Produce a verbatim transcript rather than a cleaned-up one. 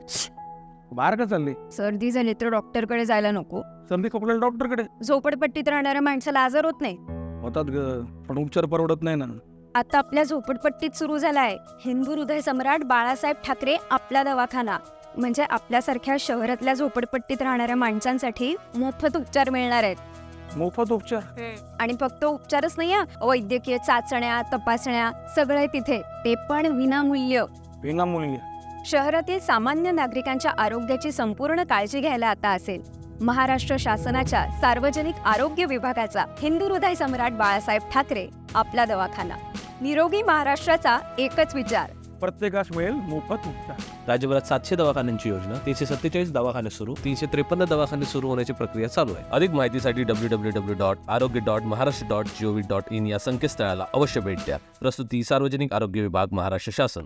बाहेर का चालली? सर्दी झाली तर डॉक्टरकडे जायला नको. सर्दी खोकल्याला डॉक्टरकडे झोपडपट्टीत राहणाऱ्या माणसाला आजार होत नाही. होतात ग, पण उपचार परवडत नाही ना. आता आपल्या झोपडपट्टीत सुरू झालाय हिंदू हृदय सम्राट बाळासाहेब ठाकरे आपला दवाखाना. म्हणजे आपल्यासारख्या शहरातल्या झोपडपट्टीत राहणाऱ्या माणसांसाठी मोफत उपचार मिळणार आहेत. मोफत उपचार? आणि फक्त उपचारच नाही हा, वैद्यकीय चाचण्या, तपासण्या सगळं आहे तिथे, ते पण विनामूल्य. विनामूल्य? शहरातील सामान्य नागरिकांच्या आरोग्याची संपूर्ण काळजी घ्यायला आता असेल महाराष्ट्र शासनाच्या सार्वजनिक आरोग्य विभागाचा हिंदू हृदय सम्राट बाळासाहेब ठाकरे आपला दवाखाना. निरोगी महाराष्ट्राचा एकच विचार, प्रत्येकास मिळेल मोफत उपचार. राज्यभरात सातशे दवाखान्यांची योजना, तीनशे सत्तेचाळीस दवाखाने सुरू, तीनशे त्रेपन्न दवाखाने सुरू होण्याची प्रक्रिया चालू आहे. अधिक माहितीसाठी W W W dot Arogya dot Maharashtra dot GOV dot in या संकेतस्थळाला अवश्य भेट द्या. प्रस्तुती सार्वजनिक आरोग्य विभाग, महाराष्ट्र शासन.